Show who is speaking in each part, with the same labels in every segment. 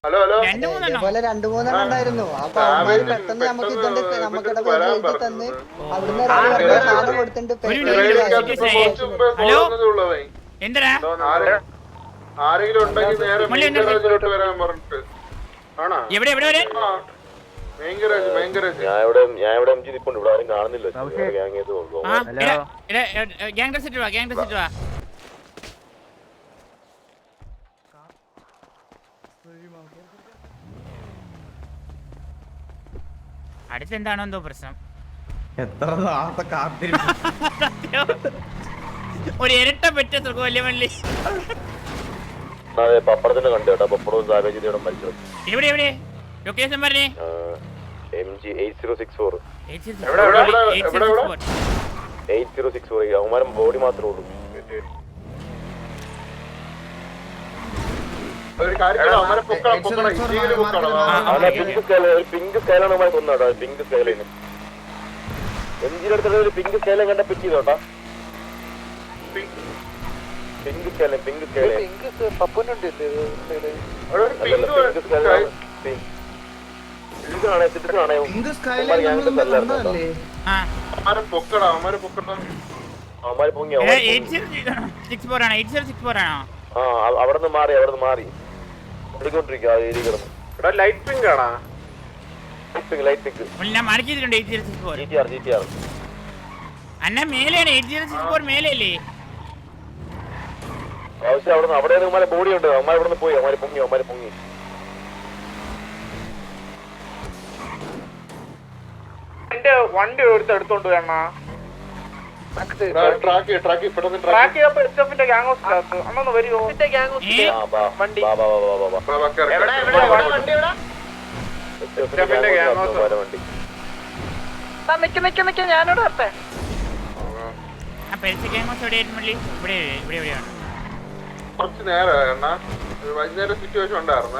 Speaker 1: ഇതേപോലെ 2-3 ഉണ്ടായിരുന്നു. അപ്പൊ അവന്മാര് പെട്ടെന്ന് നമുക്ക് ഇതുകൊണ്ട് നമുക്കിടെ പോയി എഴുതി തന്ന് അവിടുന്ന് ഒരാൾ സാധനം കൊടുത്തിട്ട്
Speaker 2: ആരെങ്കിലും ഉണ്ടെങ്കിൽ നേരെ വരാൻ പറഞ്ഞിട്ട് കാണുന്നില്ല.
Speaker 3: അടുത്തെന്താണോ എന്തോ പ്രശ്നം.
Speaker 4: എത്ര നാളത്തെ കാത്തിരിപ്പ്.
Speaker 3: ഒരു ഇരട്ട പറ്റ സുഖമല്ലേ മള്ളി.
Speaker 2: പപ്പടത്തിന്റെ കണ്ടു കേട്ടോ. പപ്പടവും സാഹചര്യം മരിച്ചത്.
Speaker 3: എവിടെ എവിടെ ലൊക്കേഷൻ പറഞ്ഞേ.
Speaker 2: MG 8064.
Speaker 3: 8064
Speaker 2: അവന്മാരും ബോഡി മാത്രമേ ഉള്ളൂ. പിങ്ക് സ്കൈലാണ് അവന്മാരെ കൊന്നോട്ടോ. പിങ്ക് സ്കൈലൈന് MGയുടെ അടുത്തുള്ള ഒരു പിങ്ക് സ്കൈലൈൻ കണ്ട പിക്ക് ചെയ്തോട്ടാ. പിങ്ക് സ്കൈലൈൻ അവിടെ നിന്ന് മാറി ലൈറ്റ് പിങ്ക് ആണോ? ലൈറ്റ് പിങ്ക്
Speaker 3: ഞാൻ മാർക്കിട്ടുണ്ട്. അന്ന മേലെയാണ് 8064 മേലല്ലേ.
Speaker 2: ആവശ്യം അവിടെ അവന്മാരെ ബോഡി ഉണ്ട്. അവന്മാർ ഇവിടെ നിന്ന് പോയി. അവന്മാര് പൊങ്ങി
Speaker 5: എന്റെ വണ്ടി എടുത്തോണ്ട് വേണ ഞാനോട്
Speaker 2: കുറച്ച് നേരം വൈകുന്നേരം സിറ്റുവേഷൻ ഉണ്ടായിരുന്ന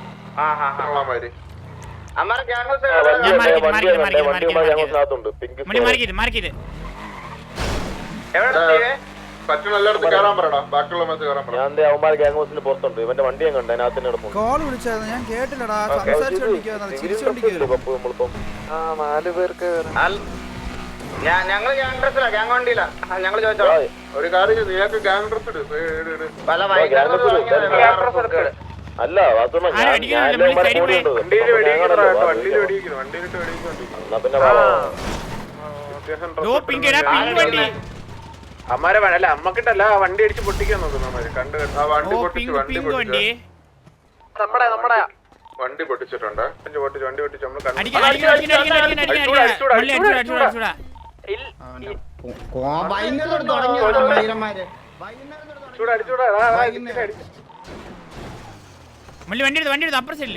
Speaker 2: പറ്റുന്ന എല്ലായിടത്തും കയറാൻ പറയടാ. ബാക്കിയുള്ള ഞാൻ അവന്മാർ ഗ്യാങ് ഹൗസിന് പുറത്തുണ്ട്. ഇവന്റെ വണ്ടി ഞാൻ കണ്ടു. അതിനകത്ത് നടക്കുന്നു.
Speaker 6: ഞാൻ കേട്ടില്ലടാ.
Speaker 5: 4 പേർക്ക് ഞങ്ങള് ഗ്യാങ് ഡ്രസ്സിലാ. ഗ്യാങ് വണ്ടിയിലാ. ഞങ്ങള് ചോദിച്ചോളാം.
Speaker 2: ഒരു കാര്യം നിനക്ക് ഗ്യാങ് ഡ്രസ് അല്ല അമ്മാരെ അല്ല അമ്മക്കിട്ടല്ല വണ്ടി അടിച്ച് പൊട്ടിക്കാൻ നോക്കുന്നു. കണ്ട് വണ്ടി പൊട്ടിച്ചു. വണ്ടി പൊട്ടിച്ചിട്ടുണ്ട്. വണ്ടി പൊട്ടിച്ചു.
Speaker 3: വണ്ടി അപ്പുറ സൈഡില്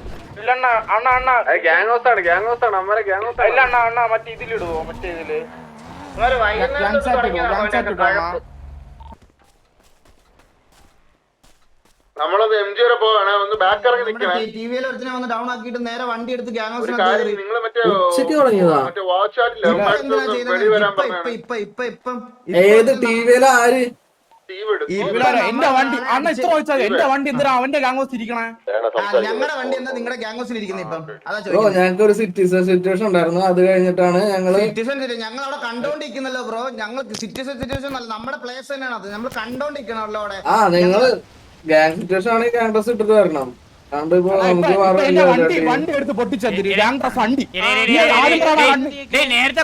Speaker 2: ഗ്യാങ് ഹൗസ് ആണ്. അമ്മരെ ഗ്യാങ് ഹൗസ്
Speaker 5: അല്ല അണ്ണ മറ്റേ ഇതിലിടുവോ? മറ്റേ ഇതില്
Speaker 2: നമ്മളത് MG വരെ പോവാണ്. ഒന്ന് ബാക്ക് ഇറങ്ങി നിൽക്കണം.
Speaker 6: ഡൗൺ ആക്കിയിട്ട് നേരെ വണ്ടി എടുത്ത് ഗ്യാങ്
Speaker 2: നിങ്ങൾ മറ്റേ വാച്ച് ആയിട്ടില്ല.
Speaker 6: ഏത് ടിവിയിലെ ആര്
Speaker 4: എന്റെ വണ്ടി അണ്ണ ഇത്ര ചോദിച്ചാൽ എന്റെ വണ്ടി എന്തിനാ അവന്റെ ഗ്യാങ് ഹൗസ് ഇരിക്കണേ?
Speaker 6: ഞങ്ങളുടെ വണ്ടി എന്താ നിങ്ങളുടെ ഗ്യാങ് ഹൗസിൽ ഇരിക്കുന്നത്? ഇപ്പം ഞങ്ങൾക്ക് ഒരു സിറ്റുവേഷൻ ഉണ്ടായിരുന്നു. അത് കഴിഞ്ഞിട്ടാണ് ഞങ്ങള് ഞങ്ങൾ അവിടെ കണ്ടോണ്ടിരിക്കുന്നല്ലോ ബ്രോ. ഞങ്ങൾ സിറ്റുവേഷൻ അല്ല, നമ്മുടെ പ്ലേസ് തന്നെയാണ് അത്. നമ്മൾ കണ്ടോണ്ടിരിക്കണല്ലോ അവിടെ. നിങ്ങള് ഗ്യാങ് സിറ്റുവേഷൻ ആണെങ്കിൽ ഗ്യാങ് ഡ്രസ് ഇട്ടിട്ട് വരണം.
Speaker 4: വണ്ടി എടുത്ത് പൊട്ടിച്ചെന്തിരി ഗ്യാങ് ഡ്രസ് വണ്ടി
Speaker 3: നേരത്തെ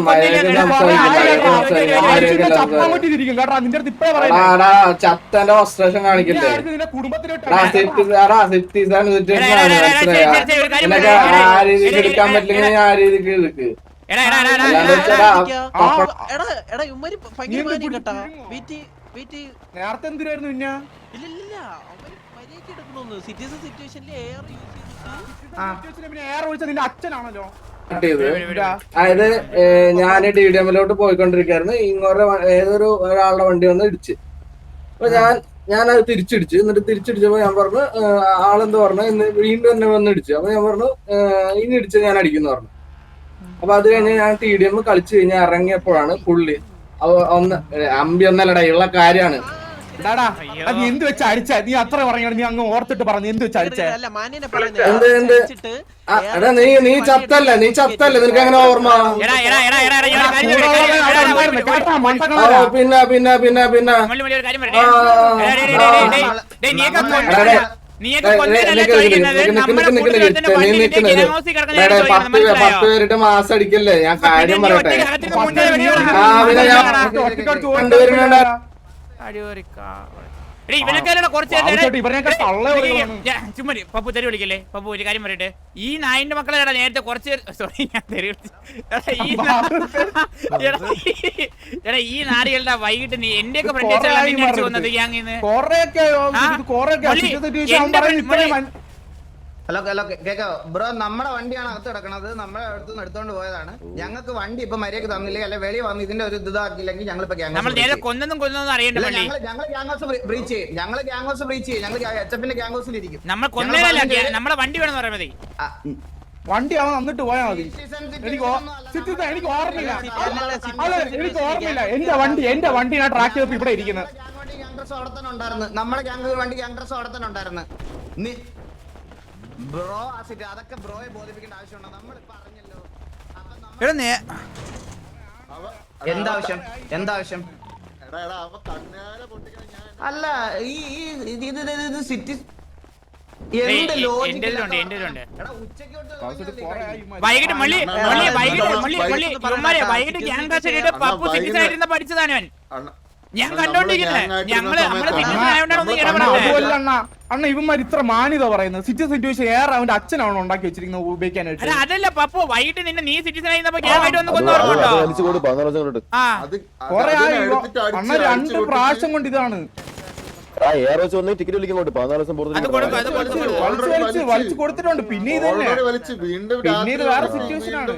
Speaker 6: ചത്തന്റെ ഫ്രസ്ട്രേഷൻ കാണിക്കില്ലേ? ആ രീതിക്ക് എടുക്കാൻ പറ്റില്ലെങ്കിൽ ആ രീതിക്ക് എടുക്ക്.
Speaker 4: നേരത്തെ എന്തിനായിരുന്നു പിന്നെ? അച്ഛനാണല്ലോ.
Speaker 6: അതായത് ഞാൻ DDMലോട്ട് പോയിക്കൊണ്ടിരിക്കായിരുന്നു. ഇങ്ങോട്ട് ഏതൊരു ഒരാളുടെ വണ്ടി വന്ന് ഇടിച്ച്. അപ്പൊ ഞാനത് തിരിച്ചിടിച്ചു. എന്നിട്ട് തിരിച്ചിടിച്ചപ്പോ ഞാൻ പറഞ്ഞു, ആളെന്ത് പറഞ്ഞു, ഇന്ന് വീണ്ടും എന്നെ വന്ന് ഇടിച്ചു. അപ്പൊ ഞാൻ പറഞ്ഞു, ഇനി ഇടിച്ച് ഞാൻ അടിക്കുന്നു പറഞ്ഞു. അപ്പൊ അത് കഴിഞ്ഞ് ഞാൻ TDM കളിച്ചു കഴിഞ്ഞ് ഇറങ്ങിയപ്പോഴാണ് പുള്ളി അമ്പി ഒന്നല്ലടാ ഉള്ള കാര്യമാണ്.
Speaker 4: എടാടാ നീ എന്ത് വെച്ച് അടിച്ച നീ അത്ര പറഞ്ഞ നീ അങ്ങ് ഓർത്തിട്ട് പറഞ്ഞു എന്ത് വെച്ച് അടിച്ച
Speaker 6: എടാ നീ ചത്തല്ലേ നിനക്ക് അങ്ങനെ ഓർമ്മ പിന്നെ പത്ത് പേരുടെ മാസം അടിക്കല്ലേ ഞാൻ കാര്യം പറയട്ടെ
Speaker 3: പപ്പു തെറി വിളിക്കല്ലേ പപ്പു ഒരു കാര്യം പറയട്ടെ ഈ നായിന്റെ മക്കളെ നേരത്തെ കുറച്ച് സോറി ഞാൻ തെറി എടാ ഈ നാരികളുടെ വൈകിട്ട് നീ എന്റെ ഒക്കെ ഫ്രണ്ട് വന്നത് ഗ്യാങ്ങിന്ന്
Speaker 5: ഹലോ ഹലോ കേക്കോ ബ്രോ നമ്മുടെ വണ്ടിയാണ് അകത്ത് കിടക്കണത് നമ്മളെ അടുത്തുനിന്ന് എടുത്തോണ്ട് പോയതാണ് ഞങ്ങൾക്ക് വണ്ടി ഇപ്പൊ മര്യാദക്ക് തന്നില്ലെങ്കിൽ അല്ലെ വെളി വന്ന് ഇതിന്റെ ഒരു ഇതാക്കില്ലെങ്കിൽ ഞങ്ങളിപ്പോ
Speaker 3: കൊന്നൊന്നും അറിയണ്ട
Speaker 5: ഞങ്ങൾ ഗ്യാങ് ഹൗസ് ബ്രീച്ച് ചെയ്യും ഞങ്ങൾ HF-ന്റെ ഗ്യാങ് ഹൗസിൽ ഇരിക്കും
Speaker 3: നമ്മൾ കൊന്നേലല്ല നമ്മളെ വണ്ടി വേണമെന്ന് പറയാൻ മതി
Speaker 4: വണ്ടി അവൻ വന്നിട്ട് പോയാ മതി എനിക്ക് ഓർമ്മയില്ല എന്റെ വണ്ടി ഞാൻ ട്രാക്ക് ചെയ്തപ്പോ ഇവിടെ ഇരിക്കുന്നത്
Speaker 5: നമ്മുടെ ഗ്യാങ് വണ്ടി ഗ്യാങ് ഡ്രസ് അവിടെ തന്നെ ഉണ്ടായിരുന്നു ബ്രോ അതൊക്കെ ബ്രോയെ ബോധിപ്പിക്കേണ്ട ആവശ്യമുണ്ടോ നമ്മൾ പറഞ്ഞല്ലോ എന്താവശ്യം അല്ല ഈ സിറ്റി
Speaker 3: വൈകിട്ട് വൈകിട്ട് ഗ്യാങ് കാശ് പപ്പു സിറ്റി സൈഡിൽ പഠിച്ചതാണ് അവൻ ഞാൻ
Speaker 4: അണ്ണ ഇവന്മാർ ഇത്ര മാന്യത പറയുന്നത് സിറ്റുവേഷൻ ഏറെ അവന്റെ അച്ഛനാണ് ഉണ്ടാക്കി വെച്ചിരിക്കുന്നത് ഉപയോഗിക്കാനായിട്ട്
Speaker 3: അതല്ല പപ്പു വൈകിട്ട് നിന്നെ നീ സിറ്റിസൺ ആയിരുന്നപ്പോ ഗ്യാങ് ഒന്ന് കൊന്നോർമ്മട്ടോ
Speaker 4: കൊറേ അണ്ണ 2 പ്രാവശ്യം കൊണ്ട് ഇതാണ്
Speaker 2: ടിക്കറ്റ് വിളിക്കുന്നുണ്ട് 14 ദിവസം
Speaker 4: വലിച്ചു കൊടുത്തിട്ടുണ്ട് പിന്നെ ഇത് പിന്നെ ഇത് വേറെ സിറ്റുവേഷൻ ആണ്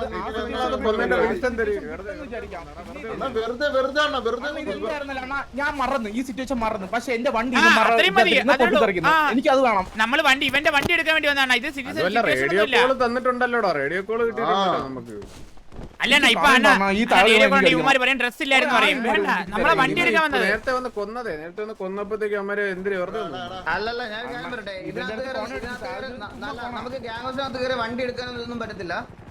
Speaker 4: ഞാൻ മറന്നു ഈ സിറ്റുവേഷൻ മറന്നു പക്ഷെ എന്റെ വണ്ടി എനിക്ക് അത് വേണം
Speaker 3: നമ്മള് വണ്ടി ഇവന്റെ വണ്ടി എടുക്കാൻ വേണ്ടി വന്നതാണ് ഇത്
Speaker 7: റേഡിയോ കോൾ തന്നിട്ടുണ്ടല്ലോ റേഡിയോ കോൾ കിട്ടിയിട്ടുണ്ടല്ലോ നമുക്ക്
Speaker 3: അല്ല ഇപ്പൊ ഇവന്മാര് പറയാൻ ഡ്രസ് ഇല്ലായിരുന്നു പറയും നമ്മളെ വണ്ടി എടുക്കാൻ വന്നത്
Speaker 7: നേരത്തെ വന്ന് കൊന്നപ്പോഴത്തേക്ക് അമ്മര് എന്തിനു വെറുതെ
Speaker 5: അല്ലല്ല ഞാൻ പറയട്ടെ നമുക്ക് ഗ്യാങ് ഹൗസിനകത്ത് കയറി വണ്ടി എടുക്കാനൊന്നും പറ്റത്തില്ല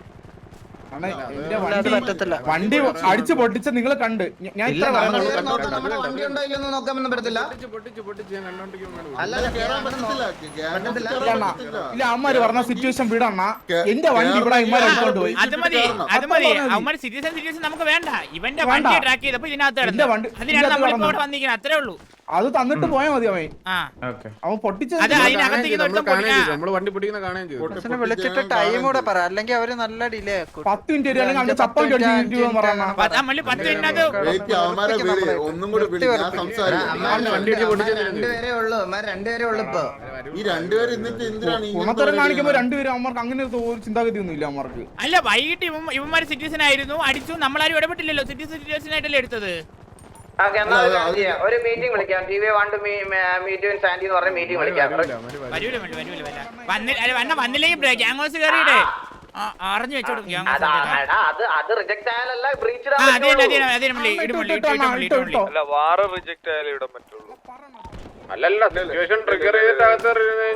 Speaker 4: വണ്ടി അടിച്ചു പൊട്ടിച്ച നിങ്ങൾ കണ്ട് ഞാൻ
Speaker 5: വണ്ടി ഉണ്ടോ ഇല്ലെന്ന് നോക്കാനൊന്നും പറ്റത്തില്ല
Speaker 4: ഇല്ല അമ്മമാര് പറഞ്ഞ സിറ്റുവേഷൻ വിടണ്ണ എന്റെ വണ്ടി ഇവിടെ എടുത്തോണ്ട് പോയി
Speaker 3: അത് മതി അവന്മാര് സിറ്റുവേഷൻ നമുക്ക് വേണ്ട ഇവന്റെ വണ്ടി ട്രാക്ക് ചെയ്തപ്പോ ഇതിനകത്ത് അതിനാണ് നമ്മളിപ്പോ ഇവിടെ വന്നിരിക്കുന്നത് അത്രേ ഉള്ളൂ
Speaker 4: അത് തന്നിട്ട് പോയാ മതി അവൻ പൊട്ടിച്ചത്
Speaker 7: നമ്മള് വണ്ടി പൊട്ടിക്കുന്ന കാണുകയും ചെയ്തു
Speaker 1: വിളിച്ചിട്ട് ടൈം കൂടെ പറ അല്ലെങ്കിൽ അവര് നല്ല ഡിലേ ആക്കും
Speaker 4: 10 മിനിറ്റ് അല്ലെങ്കിൽ അവന്റെ ചപ്പം
Speaker 5: രണ്ടുപേരേ ഉള്ളു ഇപ്പൊ
Speaker 6: ഈ രണ്ടുപേരും
Speaker 4: ഗുണത്തരം കാണിക്കുമ്പോ രണ്ടുപേരും അമ്മർക്ക് അങ്ങനെ ഒരു ചിന്താഗതി ഒന്നും ഇല്ല അമ്മർക്ക്
Speaker 3: അല്ല വൈകിട്ട് ഇവന്മാര് സിറ്റിസൺ ആയിരുന്നു അടിച്ചു നമ്മളാരും ഇടപെട്ടില്ലല്ലോ സിറ്റിസൺ ആയിട്ടല്ലേ എടുത്തത്
Speaker 5: ഒരു മീറ്റിംഗ് വിളിക്കാം സാൻഡി എന്ന് പറഞ്ഞ മീറ്റിംഗ് വിളിക്കാം
Speaker 3: വന്നില്ലെങ്കിൽ ഗ്യാങ് ഹൗസ് കയറിയിട്ടേ അറിഞ്ഞു വെച്ചോടും
Speaker 5: അത് റിജക്ട് ആയാലല്ല ബ്രീച്ച്
Speaker 7: അല്ലല്ല സിറ്റുവേഷൻ ട്രിഗർ ചെയ്തിട്ട്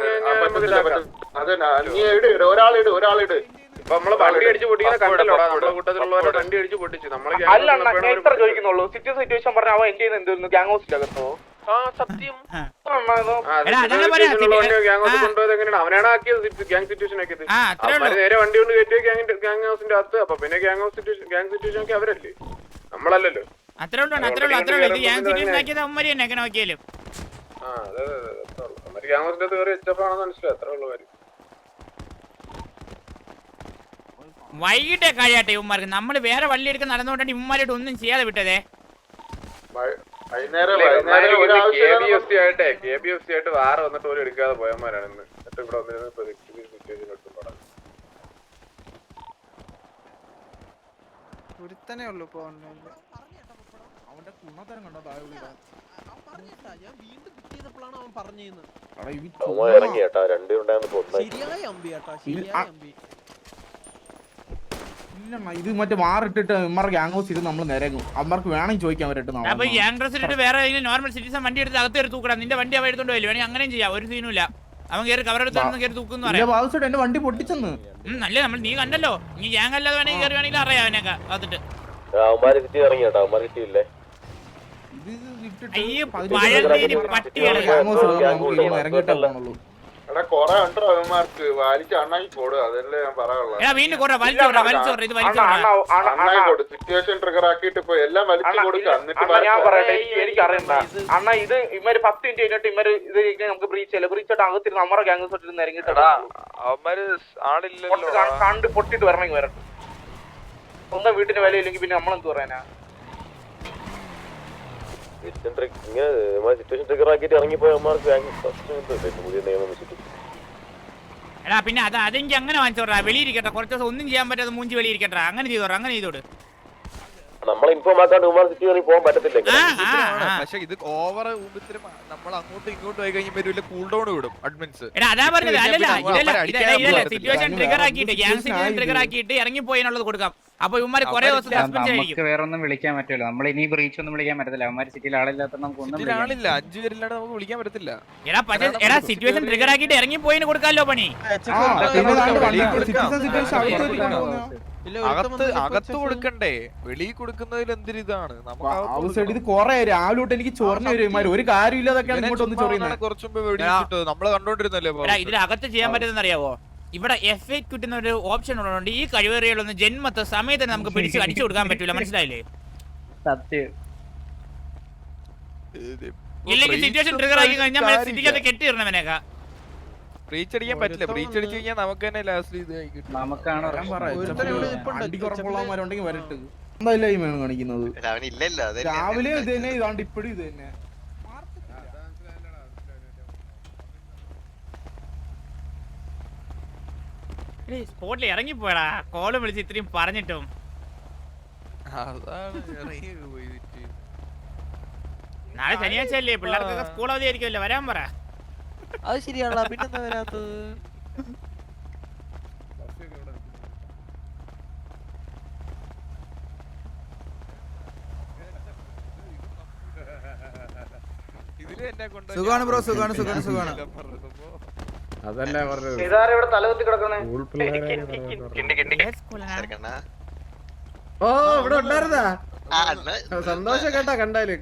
Speaker 7: ഒരാളിട് ഇപ്പൊ നമ്മള് വണ്ടി അടിച്ച് പൊട്ടിക്കുന്ന കണ്ടല്ലോ നമ്മുടെ കൂട്ടത്തിലുള്ളവരെ വണ്ടി അടിച്ച് പൊട്ടിച്ചു നമ്മള്
Speaker 8: ചോദിക്കുന്നുള്ളൂ സിറ്റുവേഷൻ പറഞ്ഞ അവൻ എന്ത് ചെയ്യുന്നത് എന്തായിരുന്നു ഗ്യാങ് ഹൗസിലകത്തോ
Speaker 7: സത്യം കൊണ്ടുപോയത് എങ്ങനെയാണ് അവനാണ് ആക്കിയത് ഗ്യാങ് സിറ്റുവേഷൻ ആക്കിയത് അവര് നേരെ വണ്ടി കൊണ്ട് കയറ്റിയ ഗ്യാങ് ഹൗസിന്റെ അകത്ത് അപ്പൊ പിന്നെ ഗ്യാങ് സിറ്റുവേഷൻ ഒക്കെ അവരല്ലേ നമ്മളല്ലല്ലോ
Speaker 3: അത്രേ ഉള്ളൂ
Speaker 7: ഗ്യാങ് ഹൗസിന്റെ അകത്ത് കയറി HF ആണെന്ന് മനസ്സിലായി അത്രേ ഉള്ളൂ കാര്യം
Speaker 3: വൈകിട്ടേ കഴിയാട്ടെ ഇവന്മാർക്ക് നമ്മള് വേറെ വള്ളി എടുക്കാൻ നടന്നുകൊണ്ടാണ് ഇവന്മാരായിട്ട് ഒന്നും ചെയ്യാതെ വിട്ടതേ
Speaker 7: KBFC ആയിട്ട് വേറെ വന്നിട്ട് പോലും എടുക്കാതെ പോയമാരാണ് ഇന്ന് എന്നിട്ട് ഇവിടെ
Speaker 1: ഒരുത്തനേ ഉള്ളൂ ഇപ്പൊ
Speaker 4: അവന്റെ ഗുണത്തരം കണ്ടോ
Speaker 1: അവൻ പറഞ്ഞിരുന്നു
Speaker 2: ഇറങ്ങിയേട്ടാ രണ്ടുപേരുണ്ടായിരുന്നു
Speaker 1: ശരിയായ അമ്പി കേട്ടോ ശരിയായ അമ്പി
Speaker 4: ഇല്ലണ്ണ ഇത് മറ്റേ മാറിട്ടിട്ട് ഇമ്മർക്ക് ഗ്യാങ് ഹൗസ് ഇരുന്ന് നമ്മൾ നിരങ്ങും അമ്മർക്ക് വേണമെങ്കിൽ ചോദിക്കാൻ വരട്ടെ
Speaker 3: അപ്പൊ ഗ്യാങ് ഡ്രസ്സിലിട്ട് വേറെ നോർമൽ സിറ്റിസൺ വണ്ടി എടുത്ത് അകത്ത് കയറി തൂക്കണം. നിന്റെ വണ്ടി അവ എടുത്തോണ്ട് പോയില്ല, വേണമെങ്കിൽ അങ്ങനെയും ചെയ്യാം, ഒരു സീനുമില്ല. അവൻ കയറി കവറെടുത്ത് കയറി തൂക്കുന്നു പറയാം.
Speaker 4: ബാബുസേട്ട് എന്റെ വണ്ടി പൊട്ടിച്ചെന്ന്
Speaker 3: നല്ല നമ്മൾ നീ കണ്ടല്ലോ, നീ ഗ്യാങ് അല്ലാതെ വേണമെങ്കിൽ കയറി വേണമെങ്കിൽ അറിയാം അവനൊക്കെ അകത്തിട്ട്.
Speaker 2: അവന്മാര് സിറ്റി ഇറങ്ങി കേട്ടോ, അവന്മാര് സിറ്റി ഇല്ലേ.
Speaker 3: അയ്യോ പഴന്തേരി പട്ടികള്.
Speaker 4: ഇറങ്ങിയിട്ടേ പോണുള്ളൂ.
Speaker 7: കൊറേ ഉണ്ടോ അവന്മാർക്ക് വലിച്ച് അണ്ണാക്കി കൊടു, അതല്ലേ ഞാൻ പറയാനുള്ളത്.
Speaker 3: എടാ വീണ്ടും കൊറ വലിച്ചോടാ വലിച്ചോടാ ഇത് വലിച്ചോടാ.
Speaker 7: സിറ്റുവേഷൻ ട്രിഗർ ആക്കിയിട്ട് ഇപ്പൊ എല്ലാം വലിച്ചു കൊടുക്കുക. എന്നിട്ട്
Speaker 8: ഞാൻ പറയട്ടെ, എനിക്ക് അറിയണ്ട അണ്ണാ, ഇത് ഇവര് 10 മിനിറ്റ് കഴിഞ്ഞിട്ട് ഇവര് ഇത് നമുക്ക് ബ്രീച്ച് ചെയ്യില്ല. ബ്രീച്ച് അകത്തിരുന്ന് നമ്മുടെ ഗ്യാങ് തൊട്ടിരുന്ന് ഇറങ്ങിയിട്ടാ
Speaker 7: അവന്മാര് ആളില്ലല്ലോ,
Speaker 8: കണ്ട് പൊട്ടിട്ട് വരണമെങ്കിൽ വരട്ടെ. സ്വന്തം വീട്ടിന് വിലയില്ലെങ്കിൽ പിന്നെ നമ്മളെന്ത് പറയാനാ?
Speaker 2: സിറ്റുവേഷൻ ട്രിഗർ ആക്കിയിട്ട് ഇറങ്ങിപ്പോയ അവന്മാർക്ക് പുതിയ നിയമം വെച്ചിട്ട്.
Speaker 3: എടാ പിന്നെ അതെനിക്ക് അങ്ങനെ വാങ്ങിച്ചോടാ, വെളിയിരിക്കട്ടെ കുറച്ച് ദിവസം ഒന്നും ചെയ്യാൻ പറ്റാതെ മൂഞ്ചി വെളിയിരിക്കട്ടെ, അങ്ങനെ ചെയ്തോടാ, അങ്ങനെ ചെയ്തോട്.
Speaker 2: നമ്മളെ ഇൻഫോം ആക്കാണ്ട് ഉമ്മാർ സിറ്റി കയറി പോകാൻ പറ്റത്തില്ല.
Speaker 7: പക്ഷെ ഇത് ഓവർ നമ്മൾ അങ്ങോട്ടും ഇങ്ങോട്ടും പോയി കഴിഞ്ഞാൽ വലിയ കൂൾ ഡൗൺ വിടും അഡ്മിൻസ്.
Speaker 3: എടാ അതാ പറഞ്ഞത്, അല്ലല്ല സിറ്റുവേഷൻ ട്രിഗർ ആക്കിയിട്ട് ഗ്യാങ് സിറ്റുവേഷൻ ട്രിഗർ ആക്കിയിട്ട് ഇറങ്ങിപ്പോയതിനുള്ളത് കൊടുക്കാം. അപ്പൊ ഇവന്മാര് കുറെ ദിവസം സസ്പെൻഡ് ആയിരിക്കും.
Speaker 9: വേറെ ഒന്നും വിളിക്കാൻ പറ്റില്ല, നമ്മൾ ഇനി ബ്രീച്ച് ഒന്നും വിളിക്കാൻ പറ്റത്തില്ല. അവന്മാര് സിറ്റിയിൽ ആളില്ലാത്ത നമുക്ക് ഒന്നും
Speaker 7: ആളില്ല, 5 പേരില്ലാണ്ട് നമുക്ക് വിളിക്കാൻ പറ്റത്തില്ല.
Speaker 3: എടാ പക്ഷേ എടാ സിറ്റുവേഷൻ ട്രിഗർ ആക്കിയിട്ട് ഇറങ്ങിപ്പോയിന് കൊടുക്കാമല്ലോ പണി.
Speaker 7: അകത്ത് കൊടുക്കണ്ടേ, വെളിയിൽ കൊടുക്കുന്നതിൽ എന്തൊരിതാണ്.
Speaker 4: ഇത് കൊറേ രാവിലെ തൊട്ട് എനിക്ക് ചൊറിഞ്ഞു വരും, ഒരു കാര്യമില്ലാതൊക്കെയാണ് ഇങ്ങോട്ട് ഒന്ന് ചൊറിയുന്നത്.
Speaker 7: കുറച്ചു മുമ്പ് നമ്മള് കണ്ടോണ്ടിരുന്നല്ലേ.
Speaker 3: ഇതിലകത്ത് ചെയ്യാൻ പറ്റുന്ന അറിയാവോ, ഇവിടെ F8 കിട്ടുന്ന ഒരു ഓപ്ഷൻ ഉള്ളതുകൊണ്ട് ഈ കഴിവേറികളൊന്നും ജന്മത്തെ സമയത്ത് നമുക്ക് പിടിച്ച് അടിച്ചു കൊടുക്കാൻ പറ്റൂല, മനസ്സിലായില്ലേ?
Speaker 9: സത്യം.
Speaker 3: ഇല്ലെങ്കിൽ സിറ്റുവേഷൻ ട്രിഗർ ആക്കി കഴിഞ്ഞാൽ സിറ്റിക്കകത്ത് കെട്ടിയിടണവനേക്കാ.
Speaker 7: ബ്രീച്ച് അടിക്കാൻ പറ്റില്ല, ബ്രീച്ച് അടിച്ചു കഴിഞ്ഞാൽ നമുക്ക് തന്നെ ലാസ്റ്റ് ഇത്
Speaker 9: നമുക്കാണ്
Speaker 4: വണ്ടി വരട്ട് എന്തായാലും ഈ വേണം കാണിക്കുന്നത്. രാവിലെ ഇത് തന്നെ, ഇതാണ്ട് ഇപ്പഴും ഇത് തന്നെ.
Speaker 3: സ്പോട്ടിൽ ഇറങ്ങിപ്പോയടാ, കോള് വിളിച്ച് ഇത്രയും പറഞ്ഞിട്ടും. നാളെ ശനിയാഴ്ച അല്ലേ, പിള്ളേർക്കൊക്കെ സ്കൂൾ അവധി ആയിരിക്കുമല്ലോ, വരാൻ പറ.
Speaker 10: അത് ശരിയാണല്ലോ, പിന്നെന്താ വരാത്തത്?
Speaker 11: സുഖാണ് ബ്രോ, സുഖാണ്.
Speaker 5: അതല്ലേ പറഞ്ഞത്. ഇതാരാ ഇവിടെ തലകുത്തി കിടക്കുന്നേ?
Speaker 11: ഓ ഇവിടെ ഉണ്ടായിരുന്നാ, സന്തോഷം കേട്ടാ കണ്ടാല്.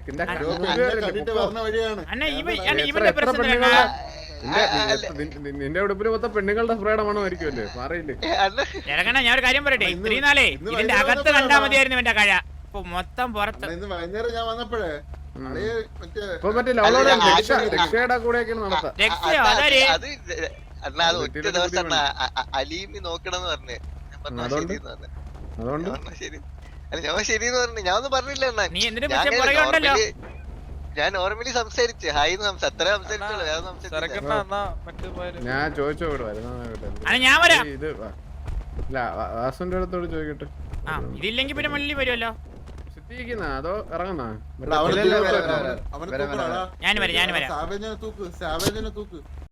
Speaker 11: നിന്റെ ഉടുപ്പിന് മൊത്തം പെണ്ണുങ്ങളുടെ സ്പ്രേയുടെ മണമായിരിക്കുമല്ലേ, മാറിയില്ലേ?
Speaker 3: ഞാൻ ഒരു കാര്യം പറയട്ടെ, ഇത്രയും നാളെ ഇതിന്റെ അകത്ത് കണ്ടാ മതിയായിരുന്നു എന്റെ കഴ, ഇപ്പൊ മൊത്തം പുറത്ത്.
Speaker 11: വൈകുന്നേരം ഞാൻ വന്നപ്പോഴേ ഇപ്പൊ മറ്റേ രക്ഷയുടെ കൂടെയൊക്കെയാണ് നടത്താം.
Speaker 10: അലീമി നോക്കണമെന്ന് പറഞ്ഞേ,
Speaker 11: അതുകൊണ്ട്
Speaker 10: ശരിന്ന് പറഞ്ഞു. ഞാൻ ഒന്നും പറഞ്ഞില്ല. ഞാൻ നോർമലി സംസാരിച്ചു, ഹായ് അത്ര സംസാരിച്ചോളൂ.
Speaker 11: ഞാൻ ചോദിച്ചോ ഇത് വാസുന്റെ അടുത്തോട് ചോദിക്കട്ടെ.
Speaker 3: ഇതില്ലെങ്കിൽ പിന്നെ മല്ലി വരുമല്ലോ.
Speaker 11: അതോ ഇറങ്ങുന്ന
Speaker 3: ഞാൻ വരാം.